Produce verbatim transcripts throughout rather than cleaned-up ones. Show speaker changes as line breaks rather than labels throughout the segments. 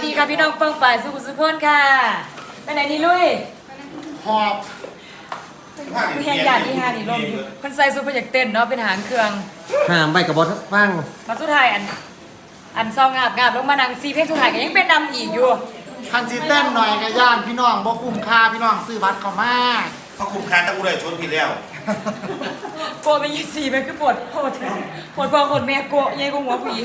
ดีค่ะพี่น้องเปิ้งฝ่ายสุขุสุพนค่ะไปไหนนี่ลุย
หอบ
ผู้แข่งการที่ห้านี่ลมคนใส่ซูเปอร์อยากเต้นเนาะเป็นหางเครื่อง
ห้ามใบกับบอสฟัง
มาสุดท้ายอันอันซองงาบงาบลงมานังซีเพลงสุดท้ายก็ยังเป็นนำอีกอยู่
คันซีเต้นหน่อยกับย่านพี่น้องบ่คุ้มค่าพี่น้องซื้อบัตรเข้ามา
เขาคุมคานตะกูเลยชนผิดแล้ว
โกไปยี่สี่ไปคือปวดปวดปวดพอคนแม่โกยัยก็หัวผู้หญิง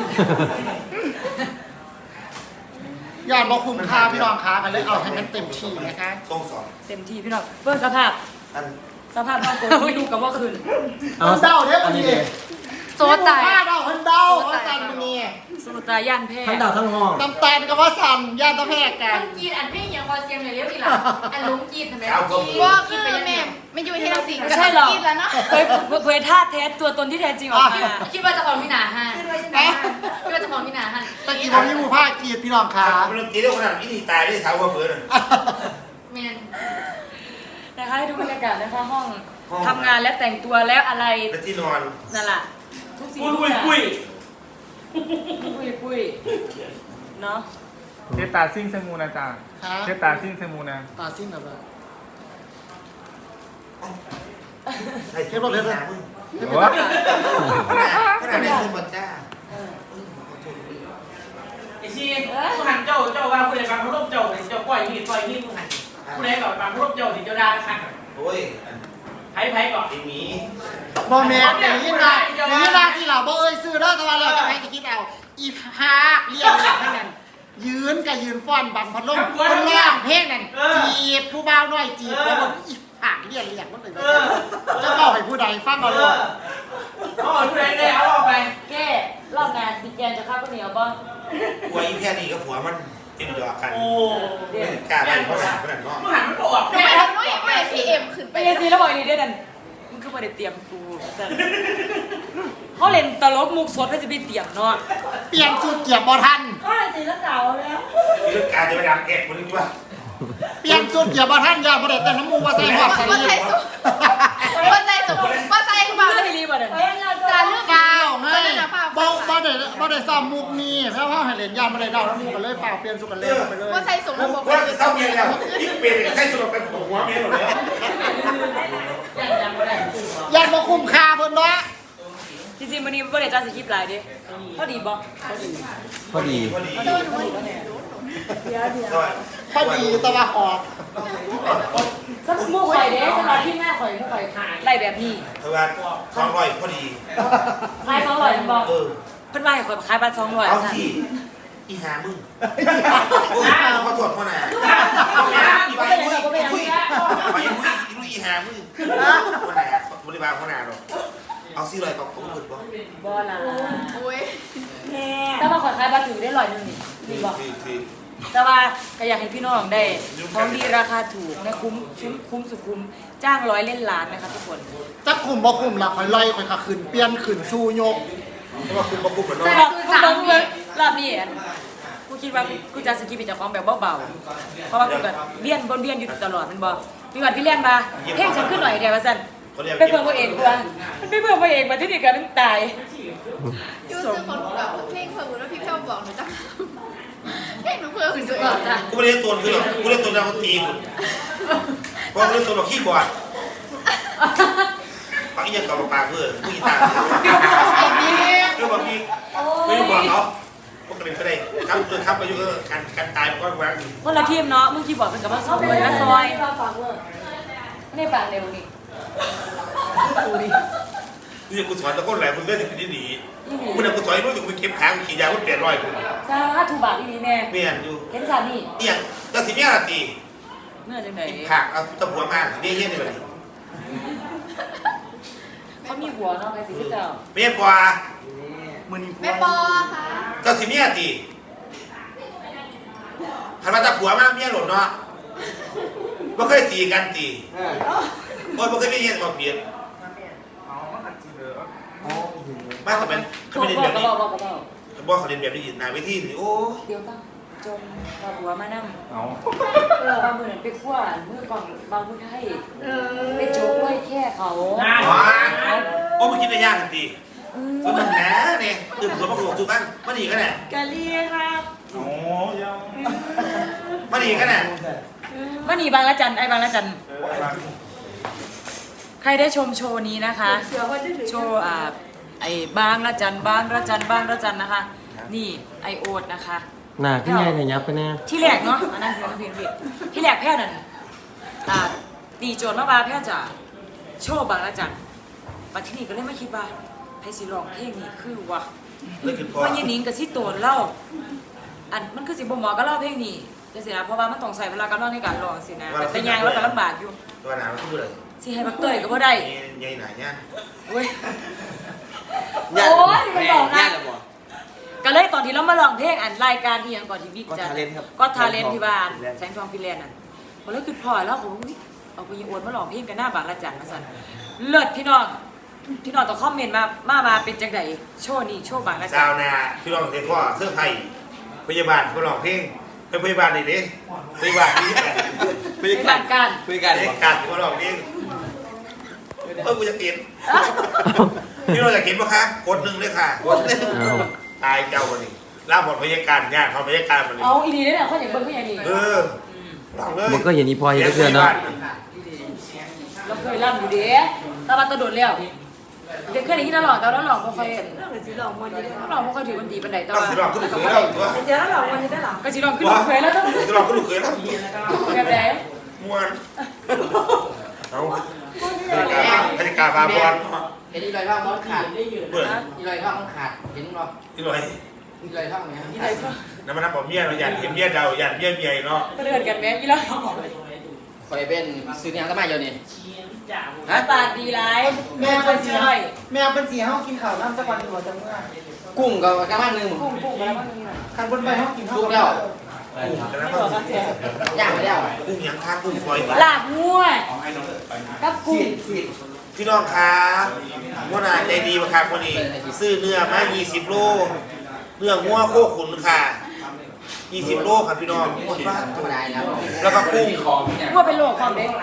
ย่านบ่คุ้มค่าพี่น้องค้ากันเลยเอาให้มันเต็มที่นะคะ
ทรงสอน
เต็มที่พี่น้องเบิ่งสภาพ
อัน
สภาพน้องโกที่ดูกับว่าคืน
มันเดาเด้อวันนี้
โซตาย
ผ้าเดาเพิ่นเดาว่าสั่นมื้อนี้
โซตายย่านแพ้
ทั้งดาวทั้งห้อง
ตำแตนก็ว่าสั่นย่านตะแพรกกัน
กีดอันไม่ยังพอเสียงเลยเรียกอีหล่ะอันลุงกีดทำไม
เจ้าก็มี
ว่าคือแม่ไม่อยู่ที่เราสิ
ไม่ใช่หรอก
กีดแล้วเนาะ
เผยเผยท่าแท้ตัวตนที่แท้จริงออกมา
คิดว่าจะของพี่หนาฮะคิดว่าจะของพี่หนาฮะ
ตะกี้บ่มีหมู่ผ้ากีดพี่น้องค้า
เป็นเรื่องจริงเรื่องขนาดนี้ตายได้เท้าว่าเบื่อเลย
แมน
นะคะให้ดูบรรยากาศนะคะห้องทำงานและแต่งตัวแล้วอะไร
เป็นที่นอน
นั่นแหละทุกสิ่ง
ปุ้ยปุ้ย
ปุ้ยปุ้ยเนาะ
เทตาซิ่งเซมูนะจ๊ะ
ฮะ
เทตาซิ่งเซมูนะ
ตาสิ้นแล้วบ่
ใช่เทียบรถเลยนะมึง
โอ้
ขนาดขนาดได้ขึ้นมาจ้า
ไอชีผู้หันเจ้าเจ้าว่าผู้ใดบางผู้ร่มเจ้าเจ้าปล่อยมีดปล่อยมีดผู้หันผู้ใดก่อนบางผู้ร่มเจ้าถึงเจ้าดาขัด
โอ้ย
ไผ่ไผ่ก่อน
ไอ้หมี
บ่แม่นอย่างนี้นะอย่างนี้นะที่เราบ่เอ้ยซื้อเด้อแต่ว่าเราจะให้สิคิดเอาอีพากเรียกเรียกเท่านั้นยืนก็ยืนฟ้อนบังพัดลมคนร้องเพลงนั่นจีบผู้บ่าวน้อยจีบแล้วบ่อีผากเรียกเรียกมันเลยจะเล่าให้ผู้ใดฟังเอาเลย
เขาเอาผู้ใดได้เอาออกไป
แก้รอบงานสิแกนจะข้าวข้าวเหนียวป่ะ
หัวอีแค่นี้กับผัวมันเต็มดอกกัน
โอ้
ไม่กล้าไปเพราะหนาเพราะหนานอก
ผู้หันมันบอก
ทำไมทำน้อยไม่พีเอ็มขึ้นไป
ไปยังซีแล้วบอกอีนี่ได้ดันมึงคือมาได้เตรียมกูเขาเล่นตลกมุกสดไม่จะไปเตรียมเนาะ
เปลี่ยนชุดเกียบบ่ทัน
มีเรื่องการจะไปดังเอ็ดคนนี้ว่า
เปลี่ยนชุดเกียบบ่ทันอย่าบ่ได้แต่น้ำมูกว่าใส่หอดใส่
ว่า
ลี
ใส่สุว่าใส่สุว่าใส่คือแบบ
ไม่ได้รีบอ่ะเด้อ
การเลือก
ฟ้าวไง
ตอนนั้นนะฟ้าว
บ่บ่ได้บ่ได้ซ้อมมุกนี้เพราะว่าให้เล่นยามบ่ได้เดาน้ำมูกกันเลยฟ้าวเปลี่ยนชุดกันเลยไปเลย
ว่าใส่สุระบบ
ว่าจะเศร้าเมียแล้วยิ่งเปลี่ยนใช้สุดเป็นหัวเมียหมดแล้ว
ย่านบ่คุ้มค่าเพิ่นเนาะ
จริงๆวันนี้ไม่ได้จ้าสคริปต์หลายดิพอดีบ่
พอดี
พอดี
พอดีแตะว่าออก
สักมุกข่อยเด้สำหรับที่หน้าข่อยข่อยไล่แบบนี้
เท่ากันสองร้อยพอดี
ขายสองร้อยบ่
เออ
เพิ่นว่าให้ข่อยขายบัตรสองร้อย
เอา
สั่น
ที่อีหามึงโอ้ยขอโทษพ่อหนาอีไปคุยคุยคุยไปคุยอีหามึงพ่อหนาบริบาลพ่อหนาหรอกเอาซี่ลอยกับผมหมดบ่
บ่ล่ะ
โอ้ย
แต่ว่าข่อยขายบัตรถือได้ร้อยหนึงนี่ดีบ่
คือคือ
แต่ว่าก็อยากให้พี่น้องได้ของดีราคาถูกนะคุ้มคุ้มคุ้มสุดคุ้มจ้างร้อยเล่นล้านนะคะทุกคน
จักคุมบ่คุมล่ะข่อยไล่ข่อยก็ขึ้นเปลี่ยนขึ้นสู้ยก
เพราะว่าคุณมาคุมเหมือนน้อ
แต่
ง
บอกคุณบอกคุณรอบนี้อันกูคิดว่ากูจะสกิปเป็นเจ้าของแบบเบาๆเพราะว่ากูก็เบี้ยนบนเบี้ยนอยู่ตลอดมันบ่มีวันพี่เลี้ยนมาเพ่งฉันขึ้นหน่อยเดียวว่าซั่นไปเพิ่มตัวเองกูว่ามันไปเพิ่มตัวเองมาที่นี่กันมันตาย
ยูซื้อคนแบบเพลงเพิ่มแล้วพี่เพิ่มบอกหนูจ้ะเพลงหนูเพิ่มขึ้นสุดจ้ะ
กูไม่ได้ตัวคือหรอกกูเล่นตัวนักดนตรีคุณเพราะกูเล่นตัวแบบขี้บอดปากอีกกับปากเพื่อผู้หญิงต่างเรื่องบางทีไม่รู้บอกเขาพวกกระดิ่งก็ได้ครับเออครับอายุเออการการตายมันก็แหวก
คนละทีมเนาะมึงคีย์บอร์ดเป็นกับว่าซอฟต์แวร์ละซอยไม่ได้ปากเร็วนี่ดูดิ
นี่กูสอนตะโกนแหลมมึงเลื่อนถึงที่หนีมึงเนี่ยกูสอนรู้อยู่กูไปเก็บค้างขี่ยากูเปลี่ยนรอยกู
จ้าถูกบาทอีแม่
เมียนอยู่
เห็นสานี่
เอียงก็สิเมียละตี
เมื่อจังไหน
ผักเอาตะบัวมาเนี่ยเฮี้ยนี่แบบนี้
เขามีหัวเนาะไปสิพี่เจ้า
เมียกว่า
มื้อนี้
แม่ปอค่ะ
ก็สิเมียตีหันมาตะผัวมาเมียหล่นเนาะไม่เคยตีกันตีโอ้ยไม่เคยมีเงี้ยมาเปลี่ยนมาเขาเป็นเขาไม่ได้แบบนี้
บอกบอกบอก
เขาบอกเขาเรียนแบบนี้นาเวทีนี่โอ้
เดี๋ยวตั้งจมบาหัวมานั่ง
เอา
เออบางมือนั่นไปขั้วมือกล่องบางมือไทยไปโจ๊กไว้แค่เขา
โอ้มันคิดได้ยากทันทีก็มันแหนเนี่ยตื่นหัวมาโขกสุกันมันอีกกันแหละ
กะเลียครับ
โอ้ยังมาดีกันน่ะ
วันนี้บางละจันไอ้บางละจันใครได้ชมโชว์นี้นะคะ โชว์อ่าไอ้บางละจันบางละจันบางละจันนะคะ นี่ไอโอดนะคะ
หน้าขึ้นไงแต่ยับไปแน่
ที่แรกเนาะอันนั้นคือเพลงผิดที่แรกแพ้วนั่นอ่าตีโจทย์มาว่าแพ้วจะโชว์บางละจันมาที่นี่ก็เลยไม่คิดว่าไพสิร้องเพลงนี้คือวะ
เลยคือพอ
ว่ายันนิงกับซิโตนเล่าอันมันคือสิบ่หมอก็เล่าเพลงนี้จะสินะเพราะว่ามันต้องใส่เวลาการร้องในการร้องสินะแต่ยังแล้วก็ลำบากอยู่
ตัวหนาวทุกเลย
สิให้บักเตยก็บ่ได้
ยัยหนาเนี่ย
เว้ยโอ้ยมันบอกนะก็เลยตอนที่เรามาร้องเพลงอันรายการที่ยังก่อนที่บิ๊กจะก็ทาเลนที่บ้านแสงทองฟิแลนด์น่ะพอแล้วคือพอแล้วผมเอาไปยิงอวนมาร้องเพลงกันหน้าบางละจันมาสั่นเลิศพี่น้องพี่น้องต้องคอมเมนต์มามามาเป็นจังไดโชว์นี้โชว์บางละจั
สาวน นาพี่รองเทพ่อเสื้อไผ่พยาบาลเขาลองเพลงเป็นพยาบาลนี่ดิพยาบาลนี่แหละ
ในบ้านการ
คุยกันการเขาลองเพลงเออกูจะกินพี่เราจะกินปะคะกดหนึ่งเลยค่ะกดหนึ่งตายเจ้าวันนี้ล่าบทพยาการงานเขาพยาการวันนี้
เอาอีดีได้เนี่ยเขาอย่างเบิ้งเขาอย่างนี้
เออลองเลย
มันก็อย่างนี้พอเห็นเพื่อนเนาะ
เราเคยร่ำอยู่เด้ตาบันตะโดดแล้วเด็กเคยได้ยินตลอดแต่เราหลอกไม่ค่อยเราหลอกไม่ค่อยถือวันดีบันไดแต่
ต้อง
ว่า
สิลองขึ้นเคยแล้วตัว
เดี๋ยวเราหลอกวันนี้ได้หรอก็สิลองขึ้นเคยแล้วต้อง
สิลองขึ้นเคยแล้ว
แบบไหน
มวนเอาพยาการพาบอล
เห็นอีลอยท่องมันขาด
เปิด
อีลอยท่องมันขาดเห็นบ่
อีหน่อย
อีลอยท่องไหมฮะ
นี่เลยก็
น้ำมันน้ำปอมเมียเราหยันเห็นเมียเราหยันเมียเมียเนาะ
เดินกันแม่ยี่แล้ว
คอยเป็นซื้อเนี่ยก็มาอยู่นี่
หน้าตาดีไรแม่คนเชื่อ
แมวเป็นสีห้องกินข้าวน้ำสักวันหนึ่งจังเมื่อ
กุ้งก็กระมังหนึ่ง
กุ้งกุ้งแล้วมันมีหน่อย
คันบนไปห้องกินข้าว
สุกแล้ว
ไม่บอกกันเถอะ
ย่างไปแล้ว
กุ้งยังค้ากุ้งฟอย
ลาบงัวกับกุ้ง
พี่น้องครับว่านาใจดีมาครับวันนี้ซื้อเนื้อมายี่สิบโลเนื้องัวโคขุนค่ะยี่สิบโลครับพี่น้อง
ธรรมดาแล้ว
แล้วก็กุ้ง
งัวเป็นโรคความเด็ก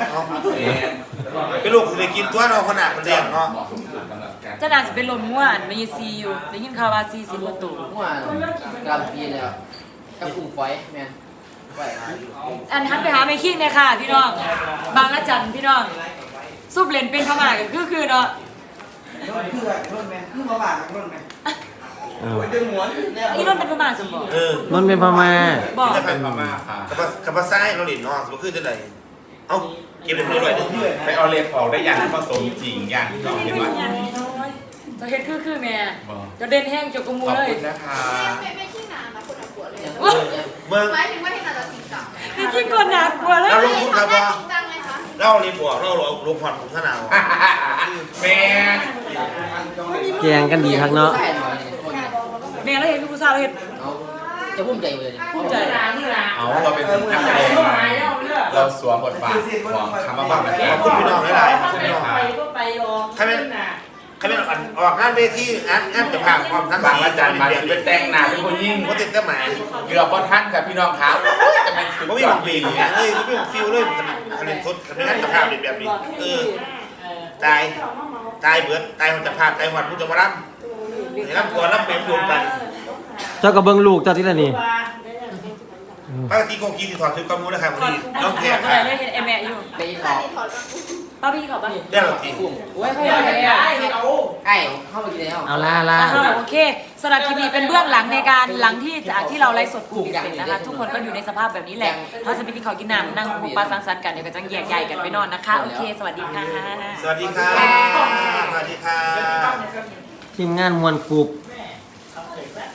เป็นลูกเคยกินตัวเนาะขนาดมันเรียงเนาะ
เจ้านางจะเป็นลมงัวอันมีซีอยู่ได้ยินข่าวว่าซีสิบกว่าตัว
มั่วกลางปีแล้วกับกุ้งฝอยแม่นฝอย
อันทันไปหาไม่คิดเนี่ยค่ะพี่น้องบางละจันพี่น้องซุปเลนเป็นพม่ากันคือคือเนาะ
คือรุ่นไหมคือมาบาดรุ่นไหม
เออ
อีนุ่นเป็นพม่าสมบูรณ์
เออ
มันเป็นพม่า
บอก
จะเป็นมาม่าค่ะกับกับภาษาเราหลินเนาะมันคือจะไหนเอ้าเก็บไปเลยด้วย
ไปเอาเล็บออกได้อย่างผสมจริงอย่างที่เราเห็นว่า
จะเห็นคือคือแม่จะเด่นแห้งจกกระมู
ขอบ
เลย
คุณนะคะ
ไม่ไม่ขี้หนานะคนเอาหัวเลย
เมือง
หมายถึงว่าที่หนาจะจริงจัง
นี่จริงก่อนหนักกว่าเลย
เราลงทุนครับว่า
จริงจังเลยคะ
เราเรียนบวกเราเราลงผ่อนของขนาด
แม่
แกงกันดีครับเนาะ
ใช่หน่อยนี่คน
แม่เราเห็นผู้สาวเราเห็น
เอาจะพุ่มใจเลย
ภูมิใจ
เอาเราเป็นนักแสดงเราสวมบทบาทของคำว่าบ้าแบบนี้
ขอบคุณพี่น้องหลายๆครับพี่น้อง
ไปก็ไปรอ
ใครเป็นใครเป็นออกงานเวทีงานงานจะผ่านความทั้ง
บางอาจารย์มา
เปลี่ยน
ไปแต่งหน้าเป็นคนยิ่ง
ว่าติดก็หมาย
เกือบพอท่านกับพี่น้องครับจะเป็นสุด
ว่าไม่
ย
ห
อ
วั
ด
งปี
ปี
เลยเลยไม่หวังฟิลเลยคะแนนทดคะแนนจะภาพแบบนี้เออตายตายเบิดตายมันจะภาพตายหวัดมันจะมารับรับก่อนรับเป็นรวมกัน
เจ้ากับเบิ้งลูกเจ้าที่ละนี่
ปกติโกกีสิถอดชุดกำมูนะครับวัน
ถอด
นี้
ถ
น้
อ
อง
ด
แข
ถอด
ก
อะไรเลยเห็นเอแม่อยู่
ไปข
อั
อน
นี้ถอดมา
ป้าพี่ขอบป่ะ
ได้หรอที
กุ้ง
โอ้ยเขา
เดี๋
อย
วย
าก
เดี๋ยว
ได้
เดี๋ยวเอา
ไอ้เข้ามากินแล้ว
เอาล่าล่า
อ่าโอเคสำหรับคลิปนี้เป็นเบื้องหลังในการหลังที่จากที่เราไลฟ์สดกลุ่มปิดเสร็จนะคะทุกคนก็อยู่ในสภาพแบบนี้แหละเขาจะไปกินข้าวกินน้ำนั่งหุบปลาสังสรรค์กันเดี๋ยวก็จะแยกย้ายกันไปนอนนะคะโอเคสวัสดีค่ะ
สวัสดีครับสวัสดีครับ
ทีมงานมวลกรุบ
ส